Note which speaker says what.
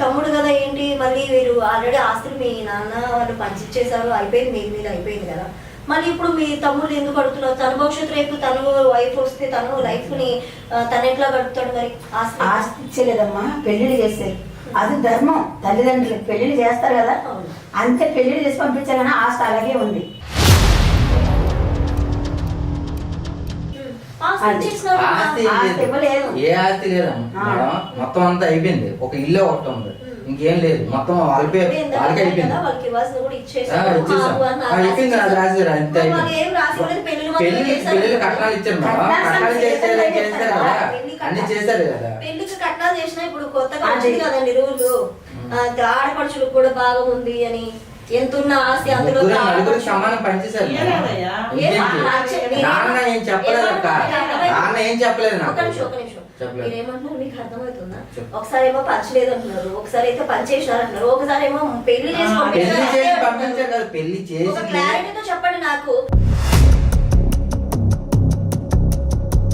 Speaker 1: తమ్ముడు కదా ఏంటి మళ్ళీ వీరు ఆల్రెడీ ఆస్తులు మీ నాన్న వాళ్ళు పంచిచ్చేసారు, అయిపోయింది, మీ మీద అయిపోయింది కదా. మళ్ళీ ఇప్పుడు మీ తమ్ముడు ఎందుకు అడుగుతున్నారు? తన భవిష్యత్తు రేపు తను వైఫ్ వస్తే తను లైఫ్ ని తను ఎట్లా గడుపుతాడు? మరి
Speaker 2: ఆస్తి ఇచ్చలేదమ్మా, పెళ్లిళ్ళు చేస్తారు. అది ధర్మం. తల్లిదండ్రులు పెళ్లిళ్ళు చేస్తారు కదా, అంతే. పెళ్లిళ్ళు చేసి పంపించారు కానీ ఆస్తి అలాగే ఉంది.
Speaker 3: ఏ ఆస్తి లేదమ్మా మేడం, మొత్తం అంతా అయిపోయింది. ఒక ఇల్లు ఒకటి ఉంది, ఇంకేం లేదు. మొత్తం వాళ్ళకి అయిపోయింది. అయిపోయింది, అది రాశారు అంతే. పెళ్లి కట్నాలు ఇచ్చారు మేడం, కట్నాలు చేశారు, చేశారు కదా, అన్ని చేశారు కదా.
Speaker 1: పెళ్లికి కట్నాలు చేసినా ఇప్పుడు కొత్తగా వచ్చింది కదండి రూలు, ఆడపడుచులకు కూడా బాగా ఉంది అని. ఎంతున్న ఆస్తి అందులో
Speaker 3: నలుగురికి సమానం పనిచేశారు. నాన్న ఏం చెప్పలేదు అక్క, నాన్న ఏం చెప్పలేదు నాకు.
Speaker 1: మీరేమంటున్నారు మీకు అర్థమవుతుందా? ఒకసారి ఏమో పంచలేదు అంటున్నారు, ఒకసారి అయితే పంచేసినారు అంటున్నారు, ఒకసారి ఏమో పెళ్లి చేసి
Speaker 3: పంపించారు కదా. పెళ్లి చేసి
Speaker 1: క్లారిటీతో చెప్పండి నాకు.